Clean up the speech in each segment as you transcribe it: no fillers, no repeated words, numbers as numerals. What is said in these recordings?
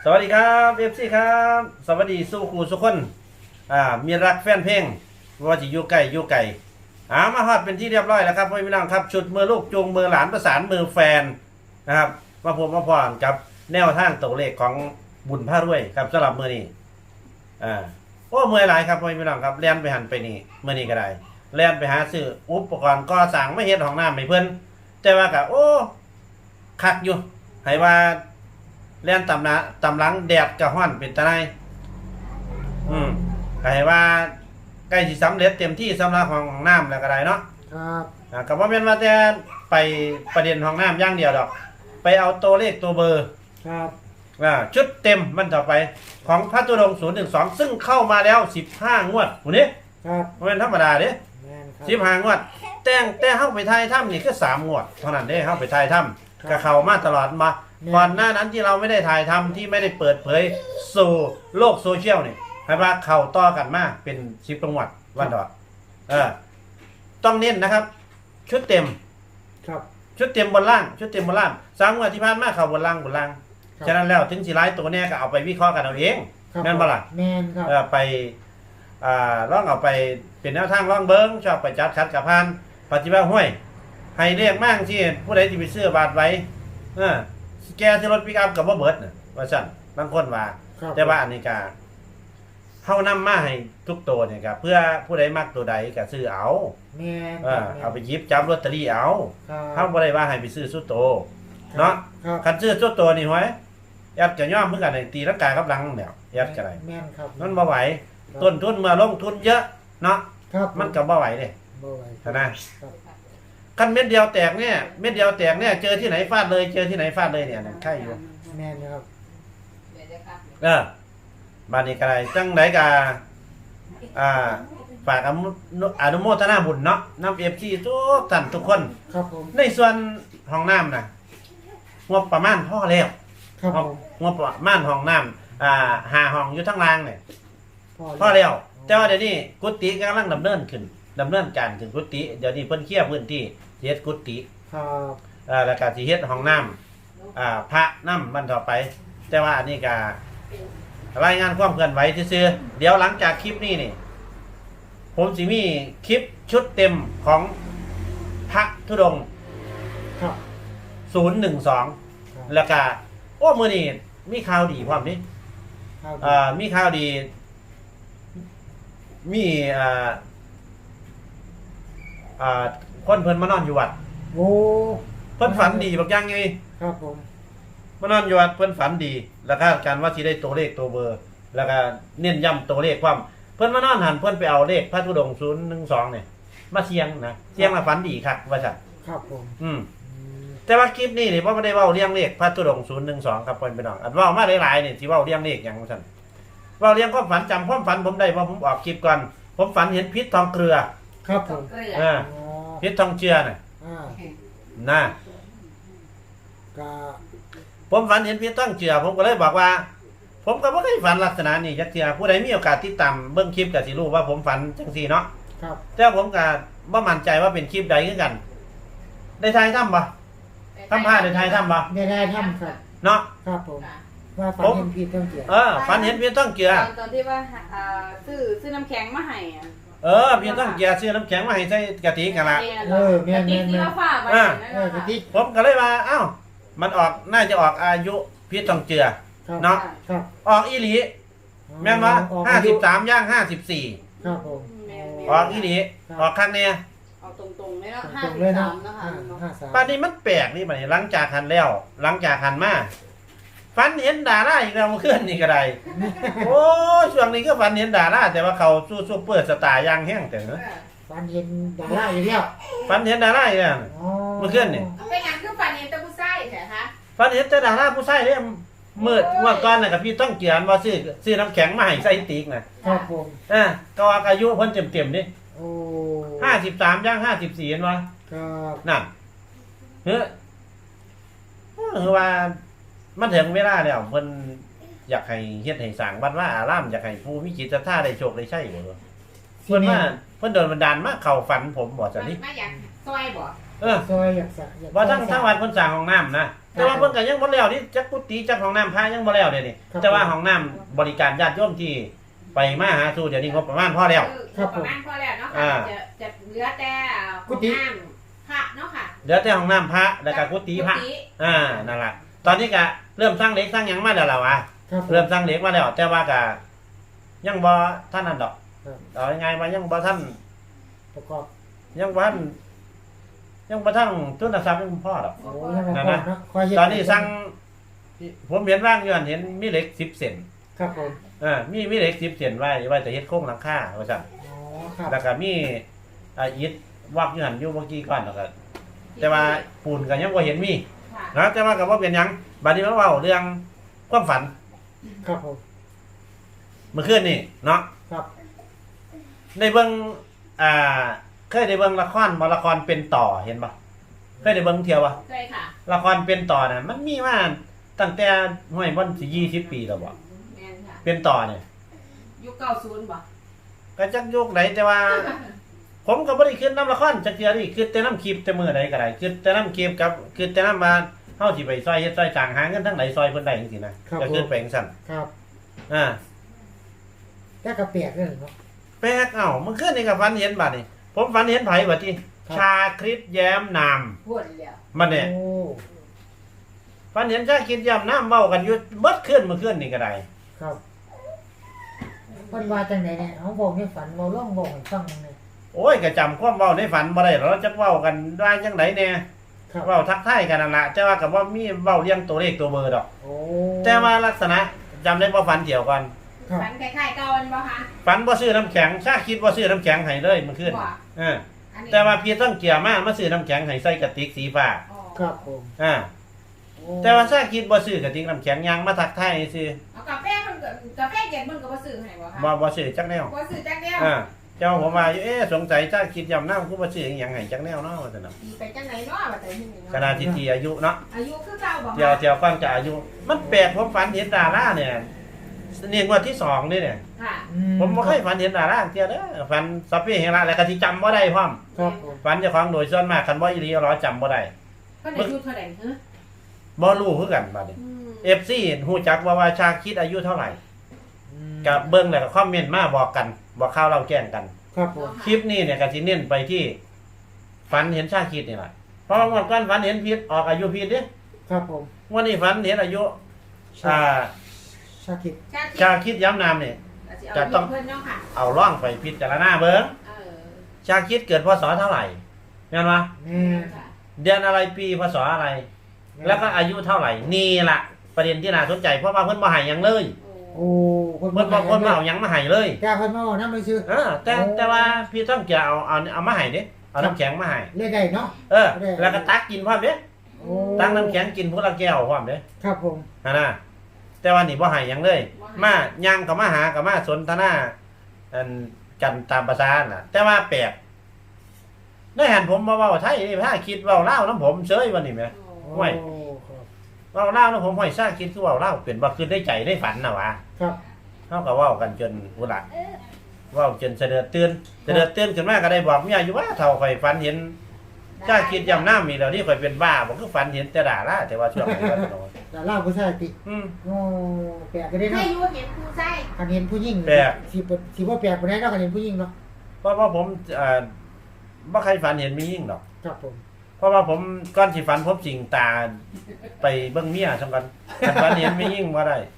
สวัสดีครับเอฟซีครับสวัสดีสู้ครูสุกคนมีรักแฟนเพลงว่าจะอยู่ไกลอยู่ไกลมาฮอดเป็นที่เรียบร้อยแล้วครับพี่น้องครับชุดมือลูกจูงมือหลานประสานมือแฟนนะครับมาพบมาพรกับแนวทางตัวเลขของบุญพระรวยครับสำหรับมือนี้โอ้เมื่อไรครับพี่น้องครับเลียนไปหันไปนี่มือนี้ก็ได้เลียนไปหาซื้ออุปกรณ์ก่อสร้างไม่เฮ็ดห้องน้ำให้เพิ่นแต่ว่าก็โอ้คักอยู่ให้ว่าเล่นตำหลังแดดกระห้อนเป็นตะไนก็ให้ว่าใกล้สิสำเร็จเต็มที่สำหรับห้องน้ำแล้วก็ได้เนาะครับก็บ่แม่นว่าแต่ไปประเด็นห้องน้ำอย่างเดียวดอกไปเอาตัวเลขตัวเบอร์ครับชุดเต็มมันต่อไปของพระตุดงค์012ซึ่งเข้ามาแล้ว15งวดผู้นี้ครับบ่แม่นธรรมดาเด้15งวดแต่เฮาไปถ่ายถ้ำนี่คือ3งวดเท่านั้นเด้เฮาไปถ่ายถ้ำก็เข้ามาตลอดมาก่อนหน้านั้นที่เราไม่ได้ถ่ายทำที่ไม่ได้เปิดเผยสู่โลกโซเชียลนี่ให้ว่าเข่าต่อกันมาเป็น10จังหวัดวันดอดต้องเน้นนะครับชุดเต็มครับชุดเต็มบนล่างชุดเต็มบนล่าง3งวดที่ผ่านมาเข่าบนล่างฉะนั้นแล้วถึงสิหลายตัวเนี่ยก็เอาไปวิเคราะห์กันเอาเองแม่นบ่ล่ะแม่นครับไปลองเอาไปเป็นแนวทางลองเบิ่งชอบไปจัดคัดกับพานปฏิบัติห้วยให้เรียกมั่งที่ผู้ใดที่ไปซื้อบาทไว้แกที่รถปิกอัพกับว่าเบิร์ดว่าสั่นบางคนว่าแต่ว่าอันนี้ก็เฮานำมาให้ทุกตัวเนี่ยครับเพื่อผู้ใดมักตัวใดก็ซื้อเอาแม่เอาไปหยิบจับลอตเตอรี่เอาเฮาบ่ได้ว่าให้ไปซื้อสุดโตเนาะคันซื้อสุดโตนี่ห้อยแอบจะย่อมเพิ่นกันตีลังกากับหลังแล้วแอบจะได้แม่นครับมันบ่ไหวต้นทุนเมื่อลงทุนเยอะเนาะมันก็บ่ไหวเด้บ่ไหวนะคันเม็ดเดียวแตกเนี่ยเจอที่ไหนฟาดเลยเจอที่ไหนฟาดเลยเนี่ยใช่อยู่แม่นครับบ้านนี้ก็ได้จังไดก็ฝากอนุโมทนาบุญเนาะนำ FC ทุกท่านทุกคนครับผมในส่วนห้องน้ำน่ะงบประมาณพอแล้วครับผมงบประมาณห้องน้ำ5ห้องอยู่ทั้งล่างเนี่ยพอแล้วแต่ว่าเดี๋ยวนี้กุฏิกำลังดำเนินการถึงกุฏิเดี๋ยวนี้เพิ่นเคลียร์พื้นที่เฮ็ดกุฏิครับแล้วก็สิเฮ็ดห้องน้ำพระน้ำมันต่อไปแต่ว่าอันนี้ก็รายงานความเคลื่อนไหวซื่อๆเดี๋ยวหลังจากคลิปนี้นี่ผมสิมีคลิปชุดเต็มของพระธุดงค์012แล้วก็โอ้มื้อนี้มีข่าวดีพร้อมนี่มีข่าวดีมีคนเพิ่นมานอนอยู่วัดโอ้เพิ่นฝันดีบักอย่างไงครับผมมานอนอยู่วัดเพิ่นฝันดีแล้วคาดการว่าสิได้ตัวเลขตัวเบอร์แล้วก็เน้นย้ำตัวเลขความเพิ่นมานอนหันเพิ่นไปเอาเลขพระธุดงค์012เนี่ยมาเสียงนะเสียงมาฝันดีครับว่าซั่นครับผมแต่ว่าคลิปนี้นี่บ่ได้เว้าเรียงเลขพระธุดงค์012ครับเพิ่นพี่น้องอันเว้ามาหลายๆนี่สิเว้าเรียงเลขหยังว่าซั่นเว้าเรียงความฝันจำความฝันผมได้ว่าผมออกคลิปก่อนผมฝันเห็นพิษทองเกลือครับผมพิษทองเจือน่ะนะผมฝันเห็นพิษทองเจือผมก็เลยบอกว่าผมก็บ่เคยฝันลักษณะนี้จักเทื่อผู้ใดมีโอกาสติดตามเบิ่งคลิปก็สิรู้ว่าผมฝันจังซี่เนาะครับแต่ผมก็บ่มั่นใจว่าเป็นคลิปใดคือกันได้ถ่ายทำบ่ทำผ้าได้ถ่ายทำบ่ได้ทำครับเนาะครับผมว่าฝันเห็นพิษทองเจือฝันเห็นพิษทองเจือตอนที่ว่าซื้อน้ำแข็งมาให้พิษทองเจือซื้อน้ำแข็งมาให้ใส่กะทิกันละแม่นกะทิผมก็เลยว่าเอ้ามันออกน่าจะออกอายุพิษทองเจือเนาะออกอีหลีแม่นว่า53ย่าง54 ครับผมออกอีหลีออกข้างเนี่ยออกตรงๆเลยเนาะ53นะคะป่านนี้มันแปลกนี่บัดนี้หลังจากหันแล้วหลังจากหันมาฝันเห็นดาราอีกแล้วเมื่อคืนนี่ก็ได้โอ้ช่วงนี้ก็ฝันเห็นดาราแต่ว่าเขาสู้ซุปเปอร์สตาร์อย่างแห้งแต่เนอะฝันเห็นดาราอีกแล้วฝันเห็นดาราอีกแล้วเมื่อคืนนี่เป็นงานคือฝันเห็นแต่ผู้ชายใช่คะฝันเห็นแต่ดาราผู้ชายเนี่ยเมื่อก่อนน่ะกับพี่ต้องเกียนว่าซื้อน้ำแข็งมาให้ใส่ติ๊กนะครับผมก็อายุเพิ่นเต็มๆนี่โอ้ 53ย่าง54เห็นบ่ครับนั่นคือว่ามันถึงเวลาแล้วเพิ่นอยากให้เฮ็ดให้สร้างวัดว่าอารามอยากให้ผู้มีจิตศรัทธาได้โชคได้ชัยบ่เพิ่นว่าเพิ่นโดนบันดาลมาเข้าฝันผมบ่จังนี้มาอยากซอยบ่ซอยอยากสะอยากว่าทั้งวัดเพิ่นสร้างห้องน้ำนะแต่ว่าเพิ่นก็ยังบ่แล้วนี่จักกุฏิจักห้องน้ำพระยังบ่แล้วเดี๋ยวนี้แต่ว่าห้องน้ำบริการญาติโยมที่ไปมาหาสู่เดี๋ยวนี้งบประมาณพอแล้วประมาณพอแล้วเนาะค่ะจะเหลือแต่ห้องน้ำพระเนาะค่ะเหลือแต่ห้องน้ำพระแล้วก็กุฏิพระนั่นล่ะตอนนี้ก็เริ่มสร้างเหล็กสร้างหยังมาแล้วล่ะวะครับเริ่มสร้างเหล็กมาแล้ว แต่ว่าก็ยังบ่ท่านนั่นดอกครับเอายังไงว่ายังบ่ท่านประกอบยังบ่ท่านทุนทรัพย์ยังบ่พอดอกโอ้ยังบ่พอเนาะคอยเฮ็ดตอนนี้สั่งผมเห็นว่างอยู่นั่นเห็นมีเหล็ก10 เซนครับผมมีเหล็ก10 เซนไว้จะเฮ็ดโครงหลังคาว่าซั่นอ๋อครับแล้วก็มีอิฐวักอยู่หั่นอยู่เมื่อกี้ก่อนแล้วก็แต่ว่าปูนก็ยังบ่เห็นมีค่ะนะแต่ว่าก็บ่เป็นหยังบัดนี้มาเว้าเรื่องความฝันครับผมเมื่อคืนนี่เนาะครับในเบิ่งเคยได้เบิ่งละครบ่ละครเป็นต่อเห็นบ่เคยได้เบิ่งเที่ยวบ่ใช่ค่ะละครเป็นต่อน่ะมันมีมาตั้งแต่ห้วยบ่อนสิ20 ปีแล้วบ่แม่นค่ะเป็นต่อเนี่ยยุค90บ่ก็จักยุคไหนแต่ว่า ผมก็บ่ได้ขึ้นน้ำละครจักเทื่อนี่คือแต่น้ำคลิปแต่มื้อใดก็ได้คือแต่น้ำคลิปกับคือแต่น้ำมาเฮาสิไปซอยเฮ็ดซอยจ้างหาเงินทางไหนซอยเพิ่นได้จังซี่นะก็คือไปจังซั่นครับอ่าแต่กระเปียกเลยเนาะแปลกเมื่อคืนนี่ก็ฝันเห็นบัดนี่ผมฝันเห็นไผบัดนี้ครับชาคริสแย้มนามพูดแล้วมันเนี่ยโอ้ฝันเห็นชาคริสแย้มนามเว้ากันอยู่เบิดคืนเมื่อคืนนี่ก็ได้ครับเพิ่นว่าจังไดเนี่ยเฮาบอกในฝันเราลองบอกให้ฟังหน่อยโอ้ยก็จำความเว้าในฝันบ่ได้หรอกเราจักเว้ากันได้จังไดแน่ครับเว้าทักทายกันนั่นล่ะแต่ว่าก็บ่มีเว้าเรียงตัวเลขตัวเบอร์ดอกโอ้แต่ว่าลักษณะจำได้บ่ฝันเกี่ยวกันครับฝันคล้ายๆเก่าอันบ่คะฝันบ่ซื้อน้ำแข็งชาคิดบ่ซื้อน้ำแข็งให้เลยเมื่อคืนบ่เอออันนี้แต่ว่าพี่ต้องเกี่ยวมาซื้อน้ำแข็งให้ใส่กระติกสีฟ้าอ๋อครับผมอ่าโอ้แต่ว่าชาคิดบ่ซื้อกระติกน้ำแข็งยังมาทักทายซื่อเอากาแฟมันก็กาแฟเย็นมันก็บ่ซื้อให้บ่คะบ่ซื้อจักแนวบ่ซื้อจักเดียวอ่าเจ้าผมว่าอยู่สงสัยชาคิดย่ำน้ำคือบ่ซื้ออีหยังให้จักแนวเนาะว่าซั่นน่ะตีไปจังไหนเนาะว่าแต่ที่นี่ขนาดที่อายุเนาะอายุคือเก่าบ่เดี๋ยวฟังจากอายุ มันแปลกผมฝันเห็นดาราเนี่ยนี่งวดที่2นี่เนี่ยค่ะผมบ่เคยฝันเห็นดาราเที่ยเด้อฝันสัพเพเหระแล้วก็สิจำบ่ได้พร้อมครับผมฝันเจ้าของโดยส่วนมากคันบ่อีหลีเอาล้อจำบ่ได้เพิ่นอายุเท่าไหร่ฮะบ่รู้คือกันบัดนี้อืม FC ฮู้จักว่าชาคิดอายุเท่าไหร่อืมก็เบิ่งแล้วก็คอมเมนต์มาบอกกันบอกข่าวเราแจ้งกันครับผมคลิปนี้เนี่ยก็สิเน้นไปที่ฝันเห็นชาคิดนี่แหละเพราะว่าเมื่อก่อนฝันเห็นพิษออกอายุพิษเด้ครับผมวันนี้ฝันเห็นอายุอ่าชาคิดชาคิดย้ำนามเนี่ยจะต้องเพิ่นเนาะค่ะเอาล่องไปพิจารณาเบิ่งเออชาคิดเกิดพศเท่าไหร่เห็นปะแม่ค่ะเดือนอะไรปีพศอะไร แล้วก็อายุเท่าไหร่นี่ล่ะประเด็นที่น่าสนใจเพราะว่าเพิ่นบ่ให้หยังเลยโอ้โอ้เพิ่นบ่เอาหยังมาให้เลยแกเพิ่นมาเอาน้ำไปซื้อแต่ว่าพี่ต้องจะเอามาให้เด้เอาน้ำแข็งมาให้เล่นได้เนาะแล้วก็ตักกินพร้อมเด้โอ้ตักน้ำแข็งกินผู้ละแก้วพร้อมเด้ครับผมนะแต่ว่านี่บ่ให้หยังเลย มาย่างกับมาหากับมาสนทนาอันกันตามภาษาน่ะ แต่ว่าแปลกได้หันผมมาเว้าไทยนี่ถ้าคิดเว้าลาวนํผมเฉยวันนี้แหมโอ้ห่วยโอ้ครับเว้าลาวนํผมห้อยซ่าคิดคือเว้าลาวเป็นบ่คือได้ใจได้ฝันน่ะวะครับเฮาก็เว้ากันจนผู้ละเว้าจนเสด็จตื่นขึ้นมาก็ได้บอกเมียอยู่ว่าเฒ่าข่อยฝันเห็นจ้าคิดยำน้ำมีแล้วนี่ข่อยเป็นบ้าบ่คือฝันเห็นแต่ดาราแต่ว่าช่วงนี้ว่าโดนดาราผู้ชายติอืมโอ้แปลกก็ได้ให้เนาะอยู่เห็นผู้ใส่คันเห็นผู้หญิงแปลกสิบ่แปลกบ่ได้เนาะคันเห็นผู้หญิงเนาะเพราะว่าผมบ่ใครฝันเห็นมียิ่งดอกครับผมเพราะว่าผมก่อนสิฝันผมสิงตาไปเบิ่งเมียสำคัญคันฝันเห็นมียิ่งบ่ได้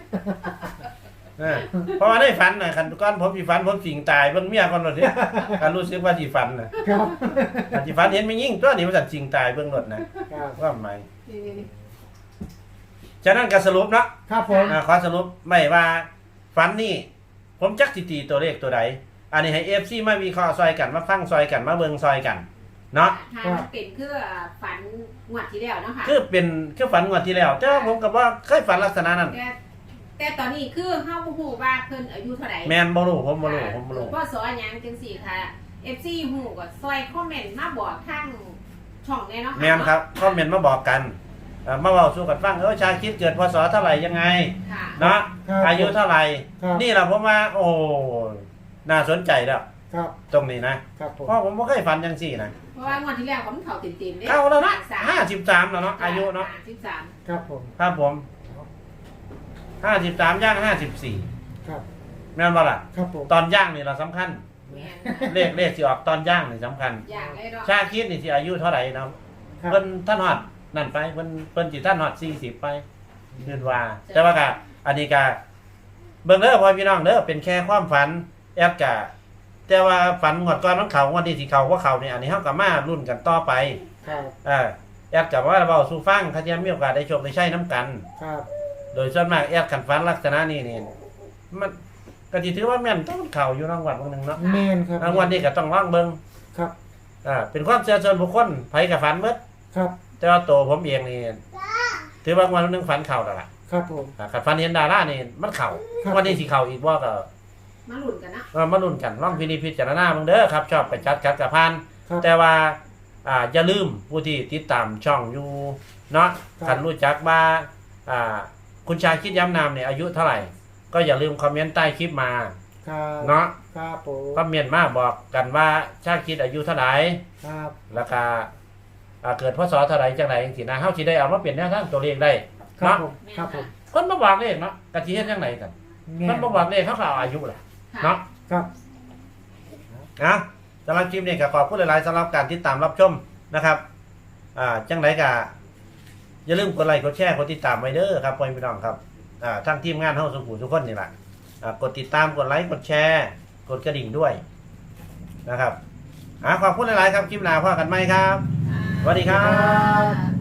เพราะว่าได้ฝันน่ะคันก่อนผมสิฝันผมสิงตายเบิ่งเมียก่อนรถเด้คันรู้สึกว่าสิฝันน่ะครับคันสิฝันเห็นมียิ่งตัวนี้มันสัตว์สิงตายเบิ่งรถนะครับ ว่าหมายนี่ฉะนั้นก็สรุปเนาะครับผมขอสรุปไม่ว่าฝันนี่ผมจักสิตีตัวเลขตัวใดอันนี้ให้ FC มาวิเคราะห์ซอยกันมาฟังซอยกันมาเบิ่งซอยกันเนาะทางเป็นคือฝันงวดที่แล้วเนาะค่ะคือฝันงวดที่แล้วแต่ว่าผมก็บ่เคยฝันลักษณะนั้นแต่ตอนนี้คือเฮาบ่ฮู้ว่าเพิ่นอายุเท่าไหร่แม่นบ่รู้ผมบ่รู้พ่อสอนหยังจังซี่ค่ะ FC ฮู้ก็ซอยคอมเมนต์มาบอกทางช่องแน่เนาะค่ะแม่นครับคอมเมนต์มาบอกกันมาเว้าสู่กันฟังชาคิดเกิดพศเท่าไหร่ยังไงค่ะเนาะครับอายุเท่าไหร่ครับนี่ล่ะผมว่าโอ้น่าสนใจแล้วคครับตรงนี้นะครับผมเพราะผมไม่เคยฝันจังสี่นะเพราะว่างวดที่แล้วผมเข่าติ่มๆเนี่ยเข้าแล้วเนาะ53แล้วเนาะอายุเนาะ 53 ครับผมครับผม53ย่าง54 ครับแม่นบ่ล่ะครับผมตอนย่างนี่เราสำคัญแม่นเลขสิออกตอนย่างนี่สำคัญอย่างไรเนาะชาคิดนี่สิอายุเท่าไหร่เนาะครับเพิ่นท่านฮอดนั่นไปเพิ่นสิท่านฮอด40ไปคิดว่า แต่ว่าก็อันนี้ก็เบิ่งเด้อพ่อพี่น้องเด้อเป็นแค่ความฝันแอดก็แต่ว่าฝันงวดก่อนมันเข้างวดนี้สิเข้าบ่เข้านี่อันนี้เฮาก็มาลุ้นกันต่อไปครับแอดก็ว่าเว้าสู่ฟังถ้าจะมีโอกาสได้โชคได้ใช้นํกันครับโดยส่วนมากแอดกันฝันลักษณะนี้นี่มันก็สิถือว่าแม่นต้องเข้าอยู่รางวัลบางนึงเนาะแม่นครับรางวัลนี้ก็ต้องลองเบิ่งครับเป็นความเชื่อส่วนบุคคลไผก็ฝันเบิดครับแต่ว่าตัวผมเองนี่ถือว่างวันนึงฝันเข่าแล้วล่ะครับผมขัดฝันเห็นดารานี่มันเข่าครับวันนี้สิเข่าอีกว่าก็มาลุ้นกันนะมาลุ้นกันร่องพิจารณาเบิ่งเด้อครับชอบไปจัดกับพานครับแต่ว่าอย่าลืมผู้ที่ติดตามช่องอยู่เนาะครับคันรู้จักว่าคุณชายคิดย้ำนามเนี่ยอายุเท่าไหร่ ก็อย่าลืมคอมเมนต์ใต้คลิปมาครับเนาะครับผมคอมเมนต์มาบอกกันว่าชาคิดอายุเท่าไหร่ครับแล้วก็เกิดพศเท่าไหร่จังไดจังซี่นะเฮาสิได้เอามาเปลี่ยนแนวทางตัวเลขได้ครับเนาะผมครับผมคนบ่บอกเลขเนาะกะสิเฮ็ดจังไดกันแม่มันบ่บอกเลขเขาก็เอาอายุแหละค่ะเนาะครับนะสำหรับคลิปนี้ก็ขอบคุณหลายๆสำหรับการติดตามรับชมนะครับจังไดก็อย่าลืมกดไลค์กดแชร์กดติดตามไว้เด้อครับพ่อพี่น้องครับทั้งทีมงานเฮาสุขุมทุกคนนี่แหละกดติดตามกดไลค์กดแชร์กดกระดิ่งด้วยนะครับขอบคุณหลายๆครับคลิปหน้าพบกันใหม่ครับ สวัสดีครับค่ะ